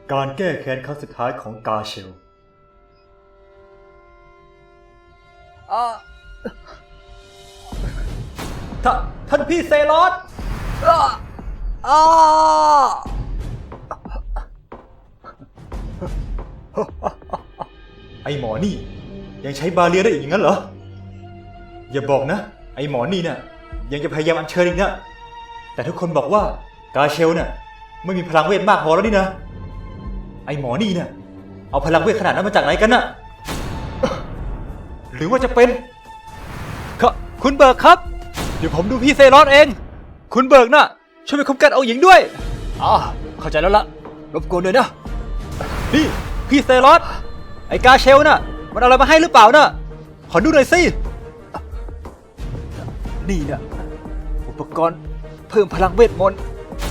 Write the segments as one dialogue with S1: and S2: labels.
S1: การแก้แค้นครั้งสุดท้ายของกาเชลท่านพี่เซลอสไอหมอนี่ยังใช้บาเรียได้อีกงั้นเหรออย่าบอกนะไอหมอนี่เนี่ยยังจะพยายามอัญเชิญอีกนะแต่ทุกคนบอกว่ากาเชลเนี่ยไม่มีพลังเวทมากพอแล้วนี่นะไอหมอนี่เนี่ยเอาพลังเวทขนาดนั้นมาจากไหนกันน่ะหรือว่าจะเป็นคุณเบิร์กครับเดี๋ยวผมดูพี่เซลอสเองคุณเบิร์กน่ะช่วยไปคุ้มกันเอาหญิงด้วยเข้าใจแล้วล่ะรบกวนด้วยนะนี่พี่เซลอสไอกาเชลน่ะมันเอาอะไรมาให้หรือเปล่าน่ะขอดูหน่อยสินี่น่ะอุปกรณ์เพิ่มพลังเวทมนต์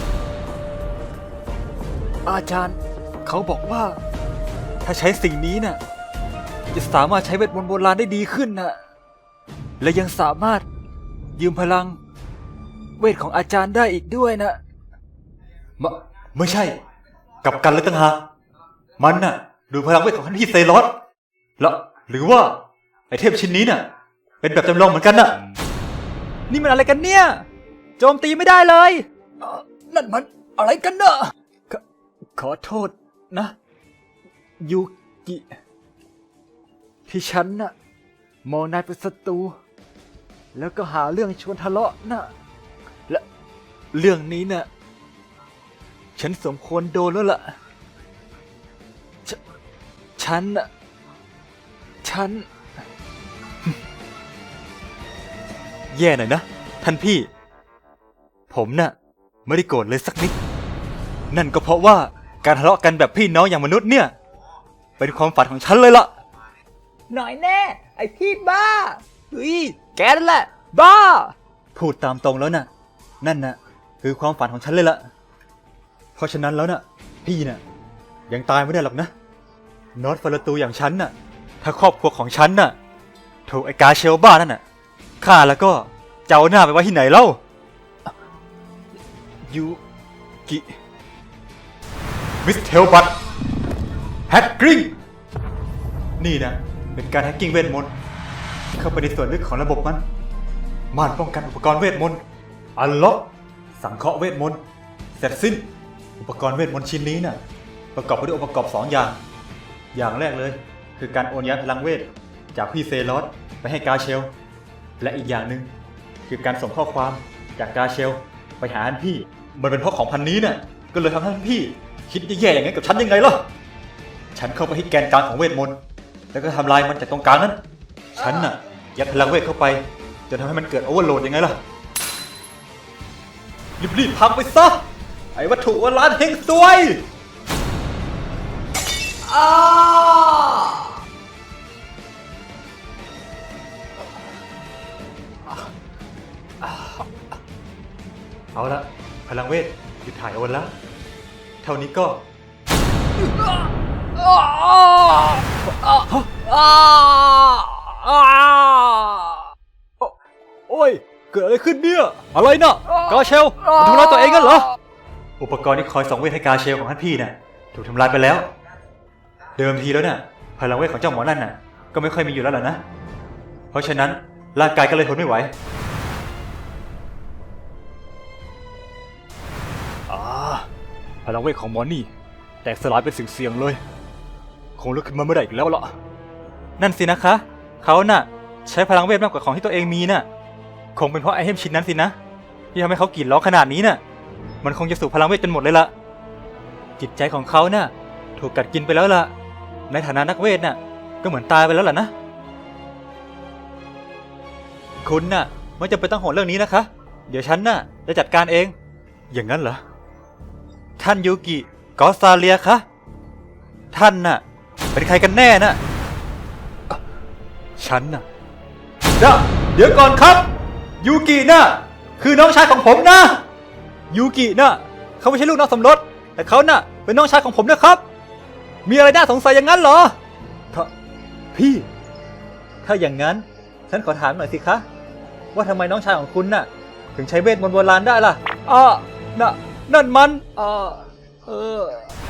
S1: อาจารย์เขาบอกว่าถ้าใช้สิ่งนี้น่ะจะสามารถใช้เวทมนต์โบราณได้ดีขึ้นน่ะและยังสามารถยืมพลังเวทของอาจารย์ได้อีกด้วยนะไม่ใช่กลับกันเลยตั้งหากมันน่ะดูพลังเวทของท่านพี่เซลอสแล้วหรือว่าไอเทพชิ้นนี้น่ะเป็นแบบจำลองเหมือนกันน่ะนี่มันอะไรกันเนี่ยโจมตีไม่ได้เลยนั่นมันอะไรกันเนอะขอโทษนะยูกิที่ฉันน่ะมองนายเป็นศัตรูแล้วก็หาเรื่องชวนทะเลาะน่ะและเรื่องนี้น่ะฉันสมควรโดนแล้วล่ะฉันแย่หน่อยนะท่านพี่ผมน่ะไม่ได้โกรธเลยสักนิดนั่นก็เพราะว่าการทะเลาะกันแบบพี่น้องอย่างมนุษย์เนี่ยเป็นความฝันของฉันเลยล่ะหน่อยแน่ไอพี่บ้าเฮ้ยแกนั่นแหละบ้าพูดตามตรงแล้วน่ะนั่นน่ะคือความฝันของฉันเลยล่ะเพราะฉะนั้นแล้วน่ะพี่น่ะยังตายไม่ได้หรอกนะนอตฟาราตูอย่างฉันน่ะถ้าครอบครัวของฉันน่ะถูกไอกาเชลบ้านั่นน่ะฆ่าแล้วก็จะเอาหน้าไปไว้ที่ไหนเล่ายูกิมิสเทลบัตแฮกกิ้งนี่นะเป็นการแฮกกิ้งเวทมนต์เข้าไปในส่วนลึกของระบบมันม่านป้องกันอุปกรณ์เวทมนต์อัลล็อกสังเคราะห์เวทมนต์เสร็จสิ้นอุปกรณ์เวทมนต์ชิ้นนี้น่ะประกอบไปด้วยองค์ประกอบ2อย่างแรกเลยคือการโอนย้ายพลังเวทจากพี่เซลอสไปให้กาเชลและอีกอย่างหนึ่งคือการส่งข้อความจากกาเชลไปหาท่านพี่มันเป็นเพราะของพันนี้น่ะก็เลยทำให้ท่านพี่คิดแย่ๆอย่างนั้นกับฉันยังไงล่ะฉันเข้าไปที่แกนกลางของเวทมนต์แล้วก็ทำลายมันจากตรงกลางนั้นฉันน่ะยัดพลังเวทเข้าไปจนทำให้มันเกิดโอเวอร์โหลดยังไงล่ะรีบพังไปซะไอ้วัตถุวรานเฮงซวยเอาละพลังเวทหยุดถ่ายโอนแล้วเท่านี้ก็โอ้ยเกิดอะไรขึ้นเนี่ยอะไรน่ะกาเชลมันทำร้ายตัวเองกันเหรออุปกรณ์ที่คอยส่องเวทให้กาเชลของท่านพี่น่ะถูกทำลายไปแล้วเดิมทีแล้วน่ะพลังเวทของเจ้าหมอนั่นน่ะก็ไม่ค่อยมีอยู่แล้วล่ะนะเพราะฉะนั้นร่างกายก็เลยทนไม่ไหวพลังเวทของหมอนี่แตกสลายเป็นสิ่งเสี่ยงเลยคงลุกขึ้นมาไม่ได้อีกแล้วล่ะนั่นสินะคะเขาน่ะใช้พลังเวทมากกว่าของที่ตัวเองมีน่ะคงเป็นเพราะไอเทมชิ้นนั้นสินะที่ทำให้เขากรีดร้องขนาดนี้น่ะมันคงจะสูบพลังเวทจนหมดเลยล่ะจิตใจของเขาน่ะถูกกัดกินไปแล้วล่ะในฐานะนักเวทน่ะก็เหมือนตายไปแล้วล่ะนะคุณน่ะไม่จำเป็นต้องห่วงเรื่องนี้นะคะเดี๋ยวฉันน่ะจะจัดการเองอย่างนั้นเหรอท่านยูกิกอซาเลียคะท่านน่ะเป็นใครกันแน่น่ะฉันน่ะเดี๋ยวก่อนครับยูกิน่ะคือน้องชายของผมนะยูกิน่ะเขาไม่ใช่ลูกน้องสมรสแต่เขาน่ะเป็นน้องชายของผมนะครับมีอะไรน่าสงสัยอย่างนั้นเหรอพี่ถ้าอย่างนั้นฉันขอถามหน่อยสิคะว่าทำไมน้องชายของคุณน่ะถึงใช้เวทมนต์โบราณได้ล่ะนั่นมัน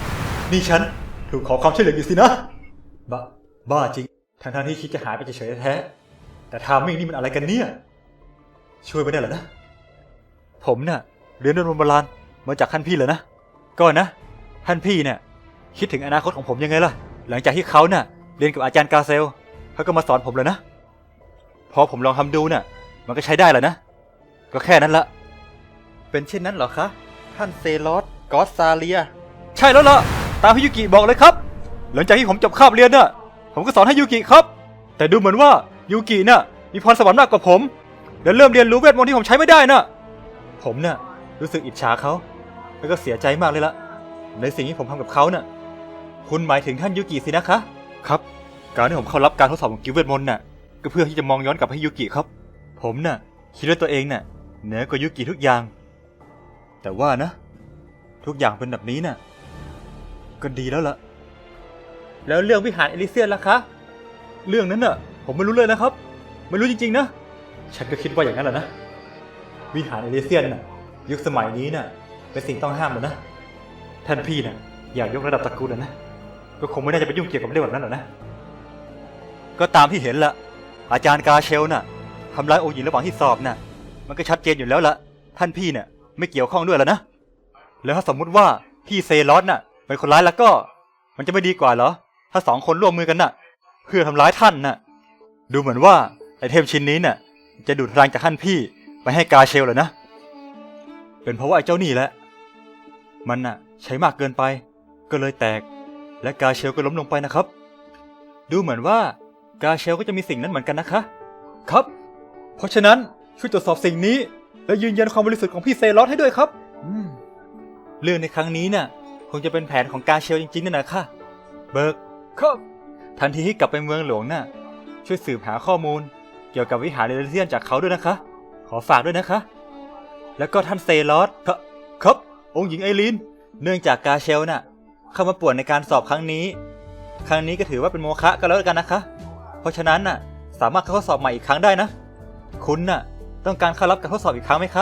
S1: นี่ฉันถูกขอความช่วยเหลืออยู่สินะบ้าจริงทั้งที่คิดจะหายไปเฉยๆแท้แต่ทามมิ่งนี่มันอะไรกันเนี่ยช่วยไม่ได้เหรอนะผมน่ะเรียนเรื่องโบราณมาจากท่านพี่เหรอนะก็นะท่านพี่เนี่ยคิดถึงอนาคตของผมยังไงล่ะหลังจากที่เขาน่ะเรียนกับอาจารย์กาเซลเขาก็มาสอนผมเลยนะพอผมลองทำดูน่ะมันก็ใช้ได้แหละนะก็แค่นั้นละเป็นเช่นนั้นเหรอคะท่านเซลอสกอสซาเลียใช่แล้วล่ะตามที่ยูกิบอกเลยครับหลังจากที่ผมจบคาบเรียนน่ะผมก็สอนให้ยูกิครับแต่ดูเหมือนว่ายูกิน่ะมีพรสวรรค์มากกว่าผมและเริ่มเรียนรู้เวทมนต์ที่ผมใช้ไม่ได้น่ะผมน่ะรู้สึกอิจฉาเขาแล้วก็เสียใจมากเลยละในสิ่งที่ผมทำกับเขาน่ะคุณหมายถึงท่านยูกิสินะคะครับการที่ผมเข้ารับการทดสอบของกิลด์เวทมนต์น่ะก็เพื่อที่จะมองย้อนกลับให้ยูกิครับผมน่ะคิดว่าตัวเองน่ะเหนือกว่ายูกิทุกอย่างแต่ว่านะทุกอย่างเป็นแบบนี้น่ะก็ดีแล้วล่ะแล้วเรื่องวิหารเอลิเซียนล่ะคะเรื่องนั้นน่ะผมไม่รู้เลยนะครับไม่รู้จริงๆนะฉันก็คิดว่าอย่างนั้นแหละนะวิหารเอลิเซียนน่ะยุคสมัยนี้น่ะเป็นสิ่งต้องห้ามเลยนะท่านพี่น่ะอยากยกระดับตระกูลนะก็คงไม่น่าจะไปยุ่งเกี่ยวกับเรื่องแบบนั้นหรอกนะก็ตามที่เห็นละอาจารย์กาเชลน่ะทำร้ายองค์หญิงระหว่างที่สอบน่ะมันก็ชัดเจนอยู่แล้วละท่านพี่เนี่ยไม่เกี่ยวข้องด้วยแล้วนะแล้วถ้าสมมุติว่าพี่เซลอสน่ะเป็นคนร้ายแล้วก็มันจะไม่ดีกว่าเหรอถ้าสองคนร่วมมือกันน่ะเพื่อทำร้ายท่านน่ะดูเหมือนว่าไอเทมชิ้นนี้น่ะจะดูดพลังจากท่านพี่ไปให้กาเชลเลยนะเป็นเพราะว่าไอ้เจ้านี่แหละมันน่ะใช้มากเกินไปก็เลยแตกและกาเชลก็ล้มลงไปนะครับดูเหมือนว่ากาเชลก็จะมีสิ่งนั้นเหมือนกันนะคะครับเพราะฉะนั้นช่วยตรวจสอบสิ่งนี้และยืนยันความบริสุทธิ์ของพี่เซลอสให้ด้วยครับเรื่องในครั้งนี้น่ะคงจะเป็นแผนของกาเชลจริงๆนั่นแหละค่ะเบิร์กครับทันทีที่กลับไปเมืองหลวงน่ะช่วยสืบหาข้อมูลเกี่ยวกับวิหารเอลิเซียนจากเขาด้วยนะคะขอฝากด้วยนะคะแล้วก็ท่านเซลอสครับองค์หญิงไอรีนเนื่องจากกาเชลน่ะเข้ามาป่วนในการสอบครั้งนี้ก็ถือว่าเป็นโมฆะกันแล้วกันนะคะเพราะฉะนั้นน่ะสามารถเข้าสอบใหม่อีกครั้งได้นะคุณน่ะต้องการเข้ารับการทดสอบอีกครั้งไหมคะ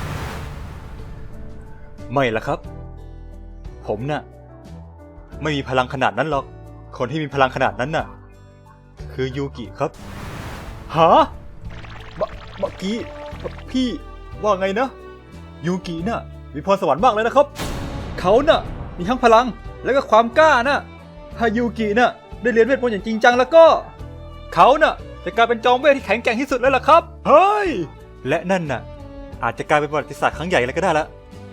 S1: ไม่ล่ะครับผมน่ะไม่มีพลังขนาดนั้นหรอกคนที่มีพลังขนาดนั้นน่ะคือยูกิครับหาเมื่อกี้พี่ว่าไงนะยูกิน่ะมีพรสวรรค์มากเลยนะครับเขาน่ะมีทั้งพลังและก็ความกล้าน่ะถ้ายูกิน่ะได้เรียนเวทมนต์อย่างจริงจังแล้วก็เขาน่ะจะกลายเป็นจอมเวทที่แข็งแกร่งที่สุดแล้วล่ะครับเฮ้ยและนั่นน่ะอาจจะกลายเป็นประวัติศาสตร์ครั้งใหญ่เลยก็ได้ละ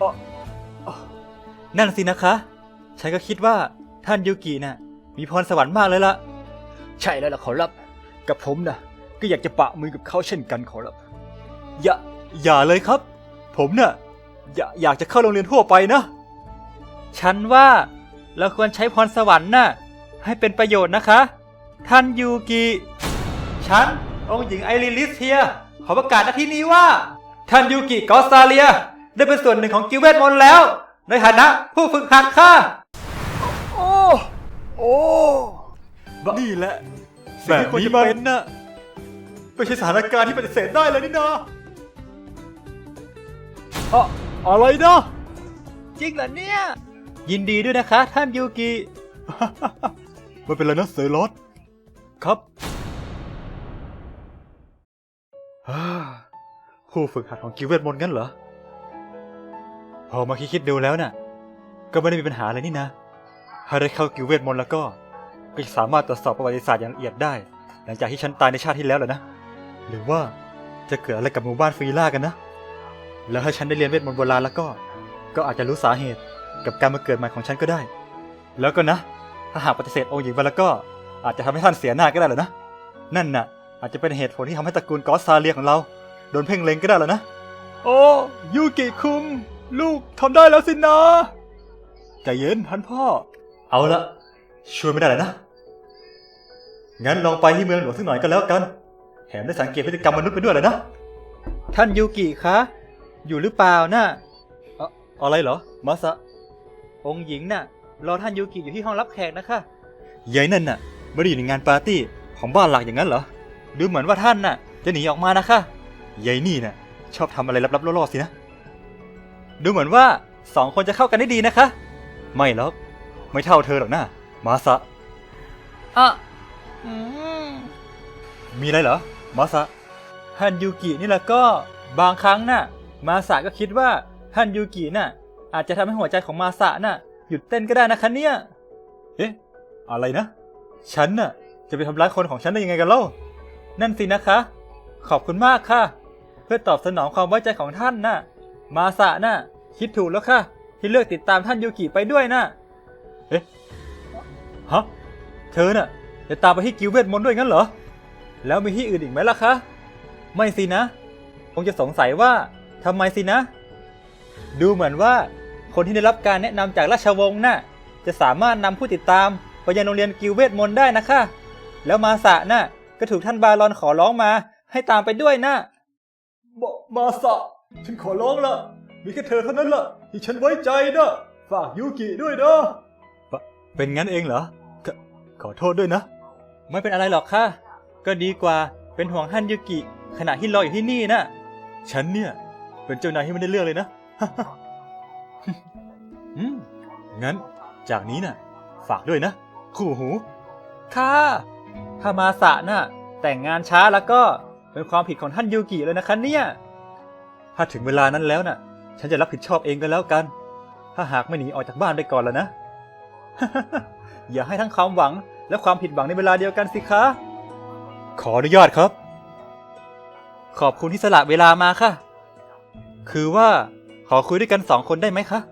S1: นั่นสินะคะฉันก็คิดว่าท่านยูกิน่ะมีพรสวรรค์มากเลยล่ะใช่แล้วล่ะขอรับกับผมน่ะก็อยากจะปะมือกับเขาเช่นกันขอรับอย่าเลยครับผมน่ะอยากจะเข้าโรงเรียนทั่วไปนะฉันว่าเราควรใช้พรสวรรค์น่ะให้เป็นประโยชน์นะคะท่านยูกิฉันองค์หญิงไอริลิสเทียขอประกาศณที่นี้ว่าท่านยูกิกอสซาเลียได้เป็นส่วนหนึ่งของกิลด์เวทมนต์แล้วในฐานะผู้ฝึกหัดค่ะโอ้นี่แหละแบบนี้มันน่ะไม่ใช่สถานการณ์ที่ปฏิเสธได้เลยนี่นาอะไรนะจริงเหรอเนี่ยยินดีด้วยนะคะท่านยูกิไม่เป็นไรนะเซลอสครับผู้ฝึกหัดของกิลด์เวทมนต์งั้นเหรอพอมาคิดดูแล้วน่ะก็ไม่ได้มีปัญหาอะไรนี่นะถ้าได้เข้ากิลด์เวทมนต์แล้วก็จะสามารถตรวจสอบประวัติศาสตร์อย่างละเอียดได้หลังจากที่ฉันตายในชาติที่แล้วเหรอนะหรือว่าจะเกิดอะไรกับหมู่บ้านฟรีล่ากันนะแล้วถ้าฉันได้เรียนเวทมนต์โบราณแล้วก็อาจจะรู้สาเหตุกับการมาเกิดใหม่ของฉันก็ได้แล้วก็นะถ้าหากปฏิเสธองค์หญิงไปแล้วก็อาจจะทำให้ท่านเสียหน้าก็ได้เหรอนะนั่นน่ะอาจจะเป็นเหตุผลที่ทำให้ตระกูลกอสซาเลียของเราโดนเพ่งเล็งก็ได้เหรอนะโอ้ยูกิคุงลูกทำได้แล้วสินะใจเย็นท่านพ่อเอาละช่วยไม่ได้เลยนะงั้นลองไปที่เมืองหลวงสักหน่อยก็แล้วกันแถมได้สังเกตพฤติกรรมมนุษย์ไปด้วยเลยนะท่านยูกิคะอยู่หรือเปล่าน่ะอะไรเหรอมาซะองค์หญิงน่ะรอท่านยูกิอยู่ที่ห้องรับแขกนะคะยายนั่นน่ะไม่ได้อยู่ในงานปาร์ตี้ของบ้านหลักอย่างนั้นเหรอดูเหมือนว่าท่านน่ะจะหนีออกมานะคะยายนี่น่ะชอบทำอะไรลับๆล่อๆสินะดูเหมือนว่าสองคนจะเข้ากันได้ดีนะคะไม่หรอกไม่เท่าเธอหรอกนะมาสะ
S2: อ่ะ
S1: มีอะไรเหรอมาสะ ฮันยูกินี่แหละก็บางครั้งน่ะมาสะก็คิดว่าฮันยูกิน่ะอาจจะทำให้หัวใจของมาสะน่ะหยุดเต้นก็ได้นะคะเนี่ยเอ๊ะอะไรนะฉันน่ะจะไปทำร้ายคนของฉันได้ยังไงกันเล่านั่นสินะคะ ขอบคุณมากค่ะ เพื่อตอบสนองความไว้ใจของท่านน่ะมาสะน่ะคิดถูกแล้วค่ะที่เลือกติดตามท่านยูกิไปด้วยน่ะเอ๊ะฮะเธอน่ะจะตามไปที่กิลด์เวทมนต์ด้วยงั้นเหรอแล้วมีที่อื่นอีกไหมล่ะคะไม่สินะคงจะสงสัยว่าทำไมสินะดูเหมือนว่าคนที่ได้รับการแนะนำจากราชวงศ์น่ะจะสามารถนำผู้ติดตามไปยังโรงเรียนกิลด์เวทมนต์ได้นะคะแล้วมาสะน่ะก็ถูกท่านบารอนขอร้องมาให้ตามไปด้วยนะมาสะฉันขอร้องละมีแค่เธอเท่านั้นละที่ฉันไว้ใจนะฝากยูกิด้วยนะเป็นงั้นเองเหรอขอโทษด้วยนะไม่เป็นอะไรหรอกค่ะก็ดีกว่าเป็นห่วงฮันยูกิขณะที่รออยู่ที่นี่นะฉันเนี่ยเป็นเจ้านายที่ไม่ได้เรื่องเลยนะ งั้นจากนี้น่ะฝากด้วยนะคู่หูค่ะถ้ามาสะน่ะแต่งงานช้าแล้วก็เป็นความผิดของท่านยูกิเลยนะคะเนี่ยถ้าถึงเวลานั้นแล้วน่ะฉันจะรับผิดชอบเองก็แล้วกันถ้าหากไม่หนีออกจากบ้านไปก่อนแล้วนะ อย่าให้ทั้งความหวังและความผิดหวังในเวลาเดียวกันสิคะขออนุญาตครับขอบคุณที่สละเวลามาค่ะคือว่าขอคุยด้วยกัน2 คนได้ไหมคะ